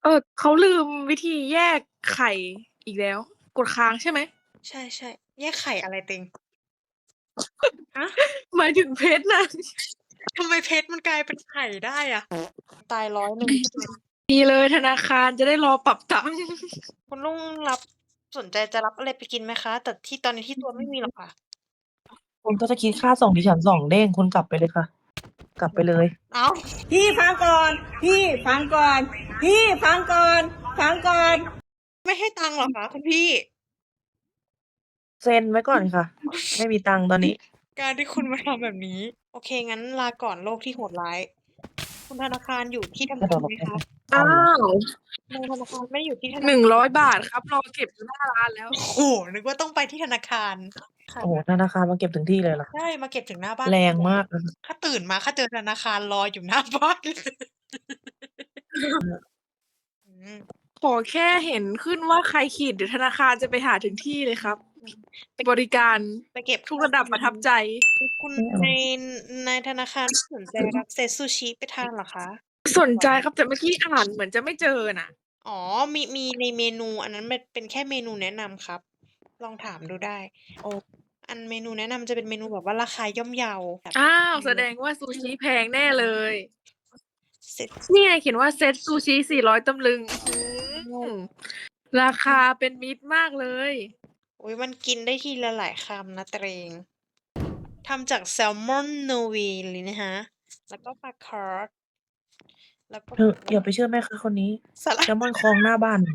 เขาลืมวิธีแยกไข่อีกแล้ว กดค้างใช่ไหมใช่ ๆ แยกไข่อะไรติง? ฮะ? หมายถึงเพชรน่ะทำไมเพชรมันกลายเป็นไข่ได้อะ? ตาย 100 ใช่ไหม? ดีเลยธนาคารจะได้รอปรับตังค์คุณลุงสนใจจะรับอะไรไปกินไหมคะ? แต่ที่ตอนนี้ที่ตัวไม่มีหรอกค่ะคุณก็จะคิดค่าส่งดิฉัน2 เด้ง คุณกลับไปเลยค่ะ กลับไปเลยอ้าวพี่ฟังก่อน พี่ฟังก่อน พี่ฟังก่อน ฟังก่อนไม่ให้ตังค์เหรอคะคุณพี่? เซ็นไว้ก่อนค่ะ ไม่มีตังค์ตอนนี้การที่คุณมาทำแบบนี้ โอเค งั้นลาก่อนโลกที่โหดร้าย คุณธนาคารอยู่ที่ทำงานไหมคะ? อ้าวในธนาคารไม่ได้อยู่ที่ธนาคาร 100 บาทครับ รอเก็บอยู่หน้าร้านแล้วโอ้โฮ นึกว่าต้องไปที่ธนาคาร ค่ะโอ้โฮ ธนาคารมาเก็บถึงที่เลยเหรอ? ใช่ มาเก็บถึงหน้าบ้านแรงมากนะคะถ้าตื่นมาข้าเจอธนาคารรออยู่ หน้าบ้าน อืมขอแค่เห็นขึ้นว่าใครขีด เดี๋ยวธนาคารจะไปหาถึงที่เลยครับ บริการไปเก็บทุกระดับประทับใจคุณไม่เอาในธนาคารไม่สนใจรับเซตซูชิไปทานเหรอคะ? สนใจครับ แต่เมื่อกี้อ่านเหมือนจะไม่เจอน่ะอ๋อ มีในเมนู อันนั้นมันเป็นแค่เมนูแนะนำครับ ลองถามดูได้อ๋ออันเมนูแนะนำจะเป็นเมนูแบบว่าราคาย่อมเยาแบบอ้าว แสดงว่าซูชิแพงแน่เลยเสร็จนี่ไงเขียนว่าเซตซูชิ 400 ตำลึง อื้อฮือ ราคาเป็นมิตรมากเลยอุ๊ย มันกินได้ทีละหลายคำนะตัวเอง ทำจากแซลมอน Nori เลยนะคะ แล้วก็ปลาคาร์ป แล้วก็เธออย่าไปเชื่อแม่ค้าคนนี้สลัแซดลมอนคลองหน้าบ้าน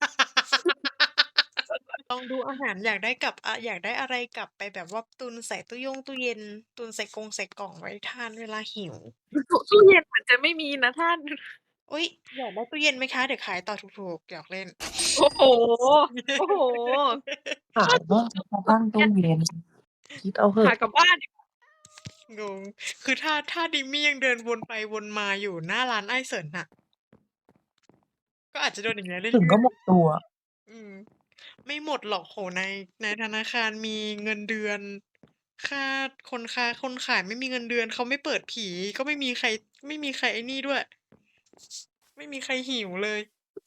ลองดูอาหารอยากได้กลับ อยากได้อะไรกลับไปแบบว่าตุนใส่ตู้ตู้เย็น ตุนใส่ใส่กล่องไว้ทานเวลาหิวตู้เย็นเหมือนจะไม่มีนะท่านอุ๊ย อยากได้ตู้เย็นไหมคะ? เดี๋ยวขายต่อถูก ๆ หยอกเล่นโอ้โฮ โอ้โฮขายบ้างมาตั้งตู้เย็น คิดเอาเหหอาะกลับบ้านดีกว่างง คือถ้าดิมมี่ยังเดินวนไปวนมาอยู่หน้าร้านไอ้เสิร์นน่ะ ก็อาจจะโดนอย่างเงี้ยเรื่ถึงก็อยหมดตัวๆ อืม ไม่หมดหรอก โอ้โฮ ในธนาคารมีเงินเดือน ค่าคนขายไม่มีเงินเดือน เขาไม่เปิดผี ก็ไม่มีใครไอ้นี่ด้วย ไม่มีใครหิวเลย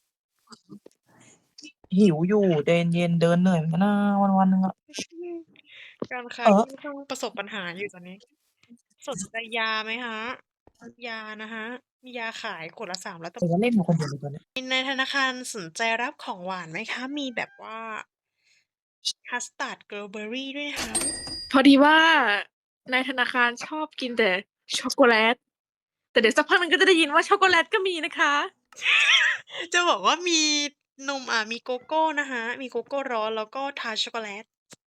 หิวอยู่ ใจเย็น ๆ เดินเหนื่อยเหมือนกันนะวัน ๆ หนึ่งอะการค้าค่อนข้างประสบปัญหาอยู่ตอนนี้ สนใจยาไหมคะ? ยานะคะ มียาขายขวดละ 300 แต่ว่าเล่นอยู่คนเดียวเลยตอนเนี้ยในธนาคารสนใจรับของหวานไหมคะ? มีแบบว่า คัสตาร์ด เกิร์ลเบอร์รีด้วยนะคะพอดีว่าในธนาคารชอบกินแต่ช็อกโกแลต แต่เดี๋ยวสักพักหนึ่งก็จะได้ยินว่าช็อกโกแลตก็มีนะคะจะบอกว่ามีนม มีโกโก้นะคะ มีโกโก้ร้อน แล้วก็ทาร์ตช็อกโกแลต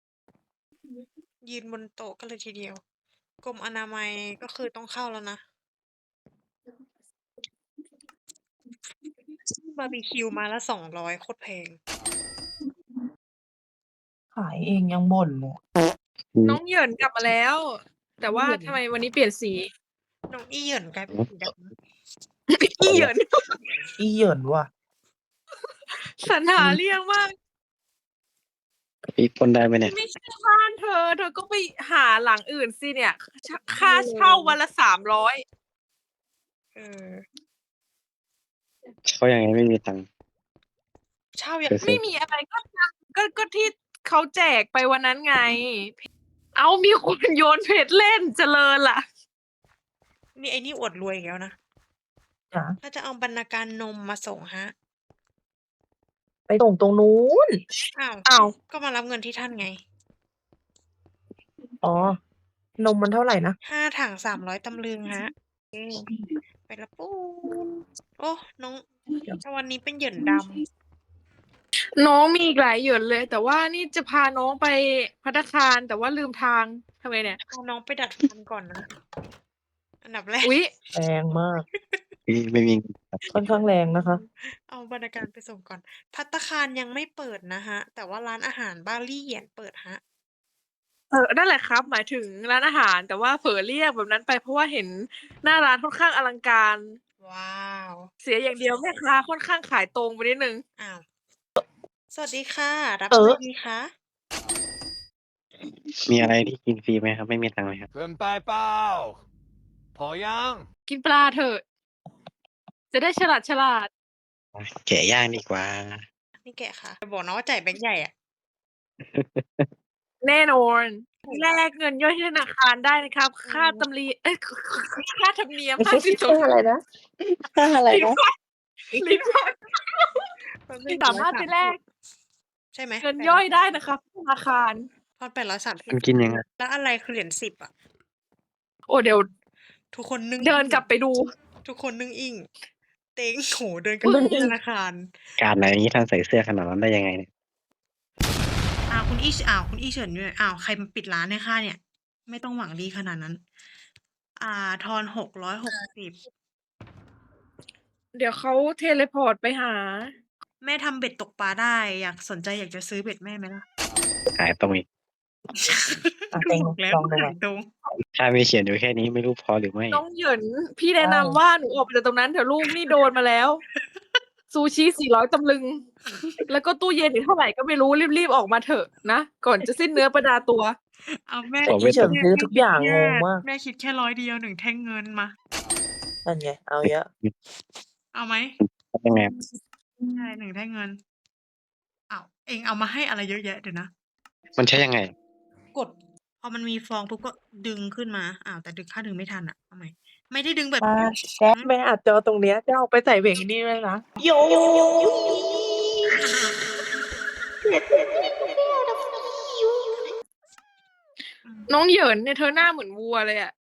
ยืนบนโต๊ะกันเลยทีเดียว กรมอนามัยก็คือต้องเข้าแล้วนะ บาร์บีคิวไม้ละ 200 โคตรแพงขายเองยังบ่นเลยน้องเหยินกลับมาแล้ว แต่ว่าทำไมวันนี้เปลี่ยนสี? น้องอี้เหยินกลายเป็นสีดำอี้เหยินอี้เหยินว่ะสรรหาเรื่องมากพี่ปล้นได้ไหมเนี่ย? ไม่ใช่บ้านเธอ เธอก็ไปหาหลังอื่นสิเนี่ย ค่าเช่าวันละ 300 เออเช่ายังไงไม่มีตังค์? เช่ายัไปงซไมื่อมีอะไรก็ที่เขาแจกไปวันนั้นไง อ้าว มีคนโยนเพชรเล่น เจริญล่ะนี่ไอ้นี่อวดรวยอีกแล้วนะจ๋าถ้าจะเอาบรรณาการนมมาส่งครับไปส่งตรงนู้นอ้าว ก็มารับเงินที่ท่านไงอ๋อ นมมันเท่าไรนะ? 5 ถัง 300 ตำลึงครับ ไปแล้วปูน โอ้ น้อง วันนี้เป็นเหยินดำน้องมีอีกหลายเหยินเลย แต่ว่านี่จะพาน้องไปภัตตาคาร แต่ว่าลืมทาง ทำไงเนี่ย? พาน้องไปดัดฟันก่อนนะ อันดับแรกอุ๊ยแรงมากพี่ไม่มีค่อนข้างแรงนะคะเอาบรรณาการไปส่งก่อน ภัตตาคารยังไม่เปิดนะคะ แต่ว่าร้านอาหารบาลี่เหยียนเปิดครับนั่นแหละครับ หมายถึงร้านอาหาร แต่ว่าเผลอเรียกแบบนั้นไป เพราะว่าเห็นหน้าร้านค่อนข้างอลังการว้าวเสียอย่างเดียวแม่ค้าค่อนข้างขายตรงไปนิดหนึ่งอ้าว สวัสดีค่ะ รับอะไรดีคะ? มีอะไรที่กินฟรีไหมครับ? ไม่มีตังค์เลยครับเกินไปเปล่า? พอยัง? กินปลาเถอะ จะได้ฉลาด ๆแกะย่างดีกว่านี่แกะค่ะจะบอกนะว่าจ่ายแบงค์ใหญ่อะแน่นอนแลกเงินย่อยที่ธนาคารได้นะครับ ค่าตำรีค่าธรรมเนียม52 อะไรนะอะไรลิ้นนะพันลิ้นพันแป๊บนึงสามารถไปแลกใช่ไหมเงินย่อยได้นะครับธนาคารทอน830 มันกินยังไงแล้วอะไรคือเหรียญ10อ่ะโอ้เดี๋ยวทุกคนนึ่งเดินกลับไปดูทุกคนนึ่งอิงเต็งโหเดินกลับไปที่ธนาคารการอะไรอย่างนี้ท่านใส่เสื้อขนาดนั้นได้ยังไงเนี่ยคุณอี้เฉินด้วยใครมาปิดร้านให้ข้าเนี่ย ไม่ต้องหวังดีขนาดนั้น ทอน660 เดี๋ยวเขาเทเลพอร์ตไปหาแม่ทำเบ็ดตกปลาได้สนใจอยากจะซื้อเบ็ดแม่ไหมล่ะขายตรงอีกเต็งบอกแล้วลองดูก่อนขายตรงถ้ามีเขียนอยู่แค่นี้ไม่รู้พอหรือไม่น้องเหยินพี่แนะนำว่าหนูออกไปจากตรงนั้นเถอะลูกนี่โดนมาแล้ว ซูชิ400 ตำลึง แล้วก็ตู้เย็นอีกเท่าไหร่ก็ไม่รู้รีบๆออกมาเถอะนะ ก่อนจะสิ้นเนื้อประดาตัวเอาแม่ขอพี่เฉินซื้อทุกอย่างงงมากแม่คิดแค่100 เดียว1 แท่งเงินมานั่นไงเอาเยอะเอาไหมยังไงใช่1 แท่งเงินเองเอามาให้อะไรเยอะแยะเดี๋ยวนะมันใช้ยังไงกดพอมันมีฟองปุ๊บก็ดึงขึ้นมาแต่ดึงข้าดึงไม่ทันเอาใหม่ไม่ได้ดึงแบบป้าแจ๊คแม่อัดจอตรงเนี้ยจะเอาไปใส่เบรกนี่เลยนะโยน้องเหยินเนี่ยเธอหน้าเหมือนวัวเลยอ่ะ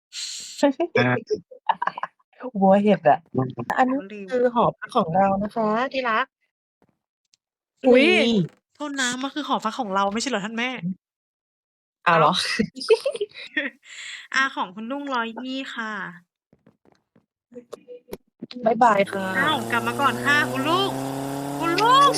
วัวเห็ดอ่ะ อันนี้ลืมคือหอพักของเรานะคะที่รักอุ๊ยนี่โทษนะมันคือหอพักของเราไม่ใช่เหรอท่านแม่เอาเหรอของคุณลุง120ค่ะบ๊ายบายค่ะกลับมาก่อนค่ะคุณลุงคุณลุง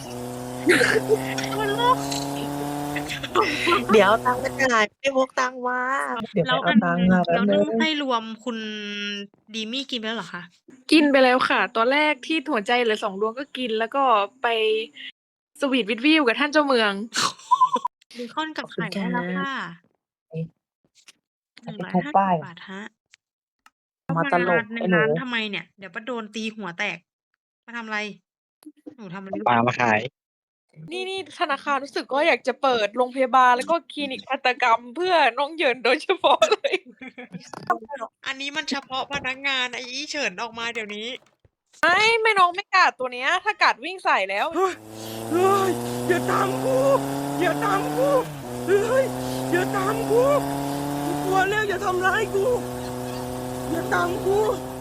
คุณลุงเดี๋ยวเอาตังค์มาจ่ายไม่พกตังค์มาเดี๋ยวไปแล้วเอาตังค์มาแป๊บแล้วนึนึ่งงให้รวมคุณดีมี่กินไปแล้วเหรอคะกินไปแล้วค่ะ ตอนแรกที่หัวใจเหลือ2 ดวงก็กิน แล้วก็ไปสวีทวิทวิวกับท่านเจ้าเมืองเบคอนกับไข่ได้แล้วค่ะเอาไปทุบป้าย 150 บาทฮะมาตลกในไอ้หนูร้านทำไมเนี่ย เดี๋ยวป้าโดนตีหัวแตก มาทำอะไร หนูทำอะไรปลามาขายนี่ธนาคารรู้สึกว่าอยากจะเปิดโรงพยาบาลแล้วก็คลินิกทันตกรรมเพื่อน้องเหยินโดยเฉพาะเลยอันนี้มันเฉพาะพนักงานไอ้อี้เฉินออกมาเดี๋ยวนี้ไม่น้องไม่กัดตัวเนี้ย ถ้ากัดวิ่งใส่แล้วเฮ้ยอย่าตามกูอย่าตามกูเฮ้ยอย่าตามกูกลัวแล้วอย่าทำร้ายกูอย่าตามกู